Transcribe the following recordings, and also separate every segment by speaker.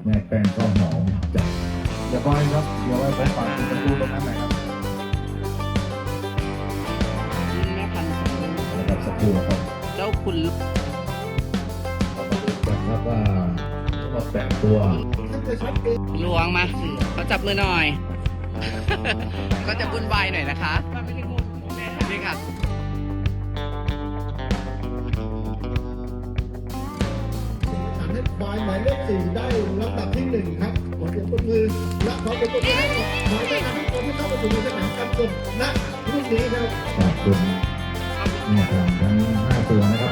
Speaker 1: ม่แป้งก็หอมจัดเดี๋ยวก็ให้ครับเดี๋ยวไว้ไปฝากคุณครูตรงนั้นหน่อยครับนะครับสักครู่ครับ
Speaker 2: เจ้าคุณ
Speaker 1: เรามาดูกันครับว่าเราแต่งตัว
Speaker 2: หลวงมาเขาจับมือหน่อย ก็จะวุ่นวายหน่อยนะคะนี่ค่ะ
Speaker 3: หมายเลข4ได้ลำดับที่1ครับขอเสียงปรบมือและขอเสียงปรบมือให้กับหมายเลขที่คนที่เข้ามาสู่สนามการกดณรุ่นนี้ครับ
Speaker 1: ขอบคุณเนี่ยทางทั้ง5ตัวนะครับ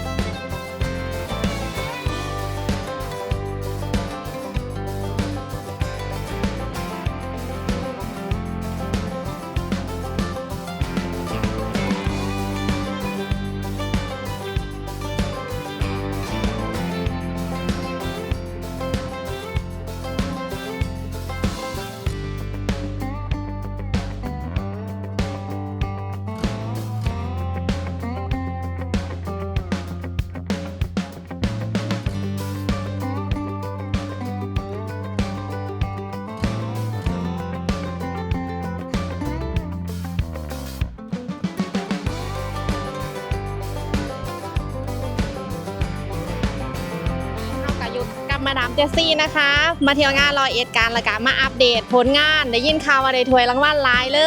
Speaker 4: กับมาดามเจสซี่นะคะ มาเที่ยวงาน101กันแล้วก็มาอัปเดตผลงานได้ยินข่าวว่าได้ถ้วยรางวัลหลายเลย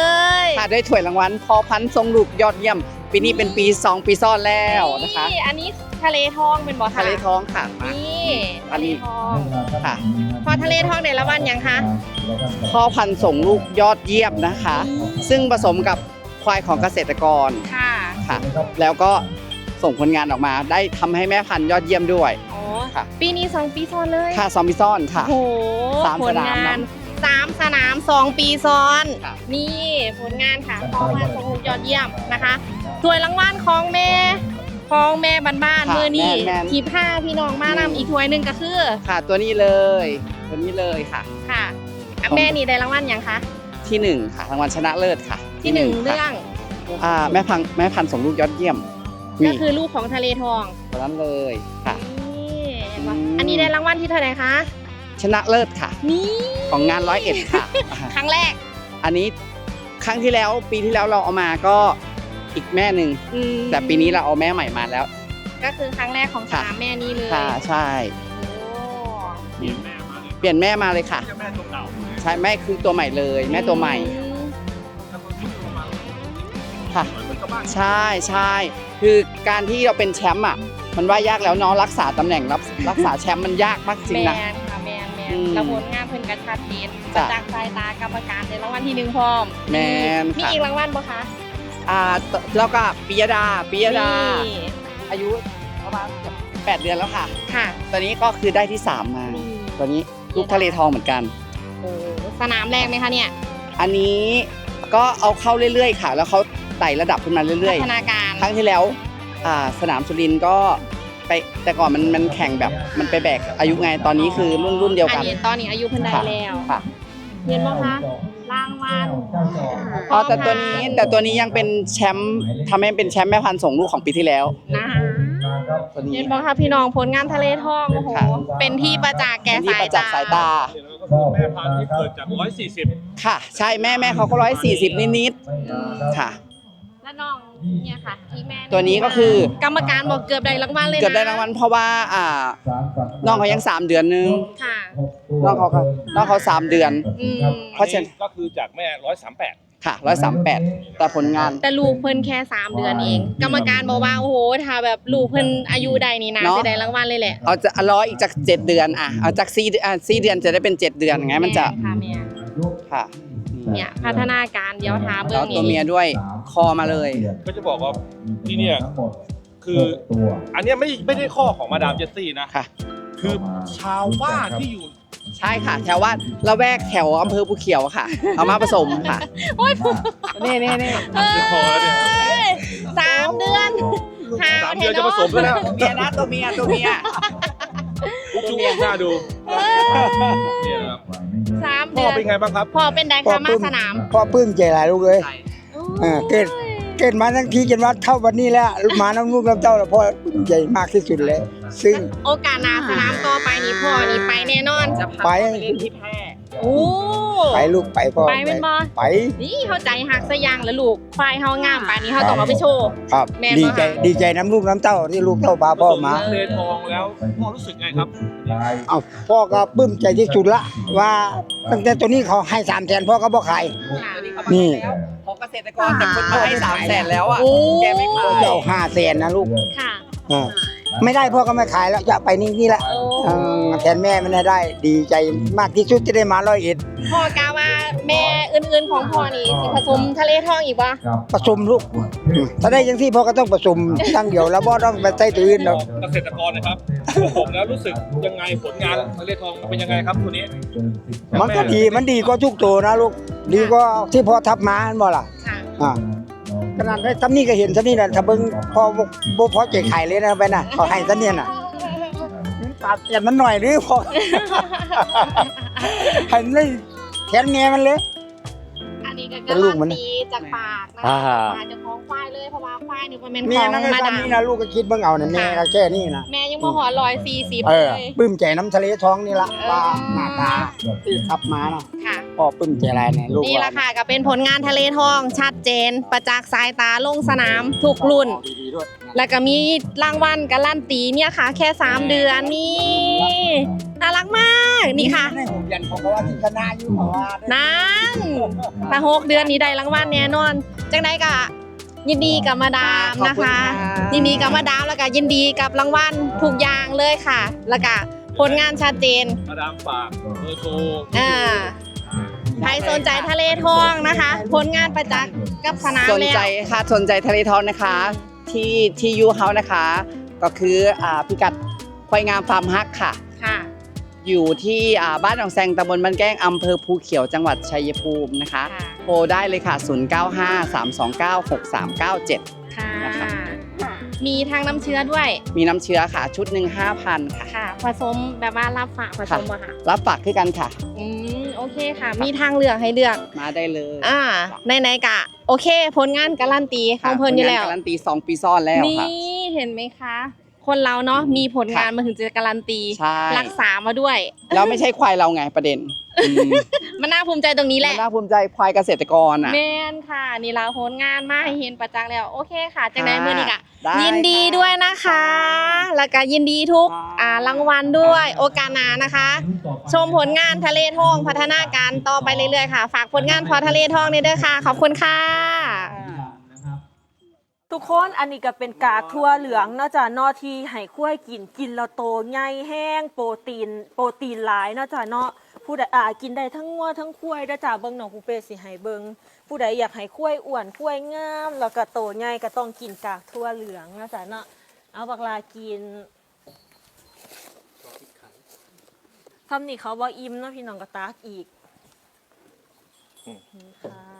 Speaker 2: ค่ะได้ถ้วยรางวัลพอพันธุ์ทรงลูกยอดเยี่ยม ปีนี้เป็นปี 2 ปีซ้อนแล้วนะคะ
Speaker 4: นี่อันนี้ทะเลทองเป็นบ่คะ
Speaker 2: ทะเลท้องค่ะมา
Speaker 4: นี่ทะเลทอง
Speaker 2: ค่ะ
Speaker 4: พอทะเลทองได้รางวัลยังคะ
Speaker 2: พ่อพันธุ์ส่งลูกยอดเยี่ยมนะคะ ซึ่งผสมกับควายของเกษตรกร
Speaker 4: ค่ะ
Speaker 2: ค่ะ แล้วก็ส่งผลงานออกมาได้ทำให้แม่พันธุ์ยอดเยี่ยมด้วย
Speaker 4: อ๋อ
Speaker 2: ค่ะ
Speaker 4: ปีนี้2 ปีซ้อนเลย
Speaker 2: ค่ะซอมบิซ่อนค่ะ
Speaker 4: โอ้โห
Speaker 2: สาม
Speaker 4: ผ
Speaker 2: ส
Speaker 4: ล
Speaker 2: นาม
Speaker 4: งาน
Speaker 2: เนอะ
Speaker 4: 3 สนาม 2 ปีซ้อน
Speaker 2: ค่ะ
Speaker 4: นี่ผลงานค่ะพอมาส่งลูกยอดเยี่ยมนะคะถ้วยรางวัลของแม่บ้านๆมือนี่ทีผ้าพี่น้องมานำอีกถ้วยหนึงก็คือ
Speaker 2: ค่ะตัวนี้เลยตัวนี้เลยค่ะ
Speaker 4: ค่ะอ่ะแม่นี่ได้รางวัลยังคะ
Speaker 2: ที่1ค่ะรางวัลชนะเลิศค่ะ
Speaker 4: ที่หนึ่ง
Speaker 2: ค่ะ
Speaker 4: เรื่อง
Speaker 2: แม่พันธุ์ส่งลูกยอดเยี่ยม
Speaker 4: ก็คือลูกของทะเลทอง
Speaker 2: ตัวนั้นเลยค่ะ
Speaker 4: นี่เห็นปะ
Speaker 2: อืม
Speaker 4: อันนี้ได้รางวัลที่เท่าไหร่คะ
Speaker 2: ชนะเลิศค่ะ
Speaker 4: นี่
Speaker 2: ของงาน101ค่ะ
Speaker 4: ครั้งแรก
Speaker 2: อันนี้ครั้งที่แล้วปีที่แล้วเราเอามาก็อีกแม่หนึ่ง
Speaker 4: อืม
Speaker 2: แต่ปีนี้เราเอาแม่ใหม่มาแล้ว
Speaker 4: ก็คือครั้งแรกของส
Speaker 2: ค่ะ
Speaker 4: นามแม่นี่เลย
Speaker 2: ค่ะใช่
Speaker 4: โอ้
Speaker 2: เปลี่ยนแม่มาเลยค่ะใช่แม่คือตัวใหม่เลยแม่ตัวใหม่
Speaker 4: อืม
Speaker 2: ค่ะใช่ใช่คือการที่เราเป็นแชมป์อ่ะมันว่ายากแล้วเนาะรักษาตำแหน่งรักษาแชมป์มันยากมากจริง
Speaker 4: แม
Speaker 2: นะ
Speaker 4: นค่ะแมน
Speaker 2: อืม
Speaker 4: แล้วผลงานเพิ่นกระชัดเจนประ
Speaker 2: จ้ะ
Speaker 4: จักษ์สายตากรรมการได้รางวัลที่1พร้อม
Speaker 2: แมน
Speaker 4: มี
Speaker 2: ค่ะ
Speaker 4: อีกรางวัลบ่คะ
Speaker 2: แล้วก็ปิยดา
Speaker 4: นี่
Speaker 2: อายุประมาณเกือบ8 เดือนแล้วค่ะ
Speaker 4: ค่ะ
Speaker 2: ตอนนี้ก็คือได้ที่ 3 มา
Speaker 4: นี่
Speaker 2: ตัวนี้ลูกทะเลทองเหมือนกัน
Speaker 4: โอ้สนามแรกไหมคะเนี่ย
Speaker 2: อันนี้ก็เอาเข้าเรื่อยๆค่ะ แล้วเขาไต่ระดับขึ้นมาเรื่อย
Speaker 4: พัฒนาการ
Speaker 2: ๆ ครั้งที่แล้วสนามสุรินทร์ก็ไปแต่ก่อนมันแข่งแบบมันไปแบกอายุไงตอนนี้คือรุ่นเดียวกัน
Speaker 4: อันนี้ตอนนี้อายุเพิ่นได้
Speaker 2: ค่ะ
Speaker 4: แล้ว
Speaker 2: ค่ะ
Speaker 4: เห็นบ่คะรางวัล
Speaker 2: แต่ตัวนี้ยังเป็นแชมป์ทำให้เป็นแชมป์แม่พันธุ์ส่งลูกของปีที่แล้ว
Speaker 4: นะคะ
Speaker 2: ตัวนี้
Speaker 4: เห็นบ่คะพี่น้องผลงานทะเลทองโอ้โห
Speaker 2: ค่ะ
Speaker 4: เป็นที่ประจักษ์แก่
Speaker 2: เป็นที่
Speaker 4: สา
Speaker 2: ป
Speaker 4: ย
Speaker 2: ระจักษ์สายตา
Speaker 5: แม่พันธุ์ที่เกิดจาก 140
Speaker 2: ค่ะ ใช่แม่เขาก็140นิดๆค่ะ
Speaker 4: และน้องเนี่ยค่ะที่แม่
Speaker 2: ตัวนี้ก็คือ
Speaker 4: กรรมการบอกเกือบได้รางวัลเลยนะ
Speaker 2: เกือบได้รางวัลเพราะว่าน้องเขายัง3 เดือนนึง
Speaker 4: ค่ะ
Speaker 2: น้องเขา3 เดือน
Speaker 4: อืม
Speaker 2: เพราะฉะนั้น
Speaker 5: ก็คือจากแม่ 138
Speaker 2: ค่ะ138แต่ผลงาน
Speaker 4: แต่ลูกเพิ่นแค่3 เดือนเอง กรรมการบอกว่าโอ้โหถ้าแบบลูกเพิ่นอายุใดนี่นะ
Speaker 2: เนาะ
Speaker 4: จะได้รางวัลเลยแหละ
Speaker 2: เอาจะร้อยอีกจาก7 เดือนเอาจาก4 เดือนจะได้เป็น7 เดือนไงมันจะ
Speaker 4: ค่ะแม่
Speaker 2: ค่ะ
Speaker 4: เนี่ยพัฒนาการเดี๋ยวถามเบิ่
Speaker 2: แล้ว
Speaker 4: ง
Speaker 2: ตัวเมียด้วยคอมาเลย
Speaker 5: ก็จะบอกว่าที่เนี่ยคืออันเนี้ยไม่ได้ข้อของมาดามเจสซี่นะ
Speaker 2: ค่ะ
Speaker 5: คือชาวบ้านที่อยู่
Speaker 2: ใช่ค่ะ แถวว่าละแวกแถวอำเภอภูเขียวค่ะ เอามาผสมค่ะ
Speaker 4: โอ้ย
Speaker 2: นี่
Speaker 5: คือคอแล้วเนี่ย
Speaker 4: 3 เดือนหาว
Speaker 5: 3 เดือนจะผสมแล้วนะ
Speaker 2: ตัวเมียนะตัวเมีย
Speaker 5: จุ๊บหน้าดูเนี่ยนะครับ
Speaker 4: 3
Speaker 5: พ่
Speaker 4: เดื
Speaker 5: อ
Speaker 4: อน
Speaker 5: เป็นไงบ้างครับ
Speaker 4: พอเป็นไดคะมาสนาม
Speaker 6: พ่อปลื้มใจหลายลูกเลย เกิดเกิดมาทั้งทีจนว่าเท่าวันนี้แล้วมาน้ำลูกน้ำเต้าแล้วพ่อใหญ่มากที่สุดเลยซึ่ง
Speaker 4: โอกาสหน้าสนามต่อไปนี่พ่อนี่ไปแน่นอน
Speaker 2: จะพา
Speaker 6: ไป
Speaker 2: ไปเล่นที่แพร่
Speaker 4: โอ้
Speaker 6: ไปลูกไปพ่อ
Speaker 4: ไปเป็นบ่
Speaker 6: ไป
Speaker 4: นี่เข้าใจหักสยางแล้วลูกควายเฮางามป่านนี้เฮาต้องเอาไปโชว์
Speaker 6: ครับ
Speaker 4: แม่นบ่
Speaker 6: ดีใจ
Speaker 4: คะ
Speaker 6: ดีใจน้ำลูกน้ำเต้าที่ลูกเต้าพาพ่อมา
Speaker 5: ทะเลทองแล้วพ่อรู้สึกไงครับ
Speaker 6: เอาพ่อก็ปลื้มใจที่สุดละว่าตั้งแต่ตัวนี้เขาให้300,000พ่อก็บ่ขาย
Speaker 4: ค่ะ
Speaker 6: นี่
Speaker 2: ของเกษตรกรแต่คนมาให้300,000แล้วอ่ะ
Speaker 4: โอ้
Speaker 2: แกไม่ขาย
Speaker 6: จะเอา500,000นะลูก
Speaker 4: ค่ะ
Speaker 6: อ่าไม่ได้พ่อก็ไม่ขายแล้วจะไปนี่แหละ
Speaker 4: โอ้
Speaker 6: แทนแม่ไม่ได้ ดีใจมากที่สุดที่ได้มา101
Speaker 4: พ่อกาว่าแม่อื่นๆของพ่อนี่สิผสมทะเลทองอีกบ่
Speaker 6: ผสมลูกถ้าได้ยังที่พ่อก็ต้องผสมตั้งเดียวแล้วบ่ต้องไปใส่ตัวอื่นหรอก
Speaker 5: เกษตรกรนะครับผมแล้วรู้สึกยังไงผลงานทะเลทองเป็นยังไงครับตัวนี้
Speaker 6: มันก็ดีมันดีกว่าทุกตัวนะลูกดีกว่าที่พ่อทับมาเห็นบ่ล่ะ
Speaker 4: ค่ะ
Speaker 6: อ่าขนาดได้ซ้ำนี่ก็เห็นซ้ำนี่น่ะถ้าเบิ่งพ่อบ่พอใจขายเลยนะไปน่ะเขาให้ซ้ำเนี่ยน่ะตัดอย่างมันหน่อยหรือพอ ให้มันได้แทนแม่มันเลย
Speaker 4: อันนี้ก็
Speaker 6: เป็น
Speaker 4: กา
Speaker 6: ลู
Speaker 4: รั
Speaker 6: ก
Speaker 4: น
Speaker 6: มัน
Speaker 4: ตีจากปากนะ
Speaker 6: อ่า
Speaker 4: มาเจ้าของควายเลยเพราะว่าควายนี่มันเป็น
Speaker 6: แม่
Speaker 4: ของ
Speaker 6: นั่งให้
Speaker 4: มา
Speaker 6: ซ้ำ
Speaker 4: ดาม
Speaker 6: นี่นะลูกก็คิดเบิ่งเอาน่ะแม่ก็แค่นี้นะ
Speaker 4: แม่ยังบ่หอ140
Speaker 6: เอ
Speaker 4: เล
Speaker 6: อย ปลื้มใจน้ำทะเลท้องนี่ละว่าหน้าตาที่ทับมาเนาะ
Speaker 4: ค่ะ
Speaker 6: พ่อปลื้มใจอะไรเนี่ยลูก
Speaker 4: นี่แหละค่ะก็เป็นผลงานทะเลทองชัดเจน ประจักษ์สายตาลงสนามทุกรุ่น
Speaker 6: ดีๆด้วย
Speaker 4: แล้วก็มีรางวัลการันตีเนี่ยค่ะ แค่ 3 เดือนนี่น่ารักมากนี่ค่ะ
Speaker 6: ในผมยันของเขาว่าที่คณะอยู่เพราะว่า
Speaker 4: นั่นถ้า6 เดือนนี้ได้รางวัลแน่นอน จังได้ก็ยินดีกับมาดามนะคะ ยินดีกับมาดามแล้วก็ยินดีกับรางวัลทุกอย่างเลยค่ะ แล้วก็ผลงานชัดเจน
Speaker 5: มาดามฝากเบอร์โทร
Speaker 4: ใครสนใจทะเลทองนะคะ ผลงานประจักษ์กับสนาม
Speaker 2: สน
Speaker 4: แล้ว
Speaker 2: ใจค่ะสนใจทะเลทองนะคะที่ยูเฮานะคะ ก็คือพิกัดควายงามฟาร์มฮักค่ะ
Speaker 4: ค่ะ
Speaker 2: อยู่ที่บ้านหนองแซงตำบลบ้านแก้งอำเภอภูเขียวจังหวัดชัยภูมินะคะ
Speaker 4: ค่ะ
Speaker 2: โทรได้เลยค่ะ 0953296397
Speaker 4: ค่ะ
Speaker 2: นะคะ
Speaker 4: มีทางน้ำเชื้อด้วย
Speaker 2: มีน้ำเชื้อค่ะ ชุดหนึ่ง5,000 ค่ะ
Speaker 4: ค่ะ ผสมแบบว่ารับฝากผสมอะค่ะ
Speaker 2: รับฝากขึ้นกันค่ะ
Speaker 4: โอเคค่ะ มีทางเลือกให้เลือก
Speaker 2: มาได้เลย
Speaker 4: ไหนๆกะ โอเค ผลงานการันตีของเพิ่นอยู่แล้ว
Speaker 2: ผงาการันตี2 ปีซ้อนแล้ว
Speaker 4: นี่
Speaker 2: ค่ะ
Speaker 4: เห็นไหมคะ คนเราเนาะมีผลงานมาถึงจะการันตี
Speaker 2: ใช่
Speaker 4: รักษามาด้วย
Speaker 2: แล้วไม่ใช่ควายเราไงประเด็นอืม
Speaker 4: มันน่าภูมิใจตรงนี้แห
Speaker 2: มั
Speaker 4: ละ
Speaker 2: นน่าภูมิใจควายเกษตรกรอ่ะ
Speaker 4: แมนค่ะ นี่เราผลงานมาให้เห็นประจักษ์แล้ว โอเคค่ะจากไหน
Speaker 2: ค่ะ
Speaker 4: เมื่อนี้กะ
Speaker 2: ได้
Speaker 4: ยินดี
Speaker 2: ค่ะ
Speaker 4: ด้วยนะคะ แล้วก็ยินดีทุก
Speaker 2: ค่ะ
Speaker 4: รางวัลด้วย โอกาสหน้านะคะ ชมผลงานทะเลทองพัฒนาการต่อไปเรื่อยๆค่ะ ฝากผลงานพอทะเลทองนี่ด้วยค่ะ ขอบคุณค่ะ
Speaker 7: ทุกคนอันนี้ก็เป็นกากทั่วเหลืองเนาะจ้ะเนอที่ให้คุ้ยกินแล้วโตใหญ่แห้งโปรตีนหลายเนาะจ้ะเนาะผู้ใดกินได้ทั้งงัวทั้งคุ้ยเด้อจ้ะเบิ่งน้องคูเป้สิให้เบิ่งผู้ใดอยากให้คุ้ยอ้วนคุ้ยงามแล้วก็โตใหญ่ก็ต้องกินกากทั่วเหลืองเนาะจ้ะเนาะเอาบักลากินทำนี่เขาบ่อิ่มเนาะพี่น้องก็ตากอีกนี่ค่ะ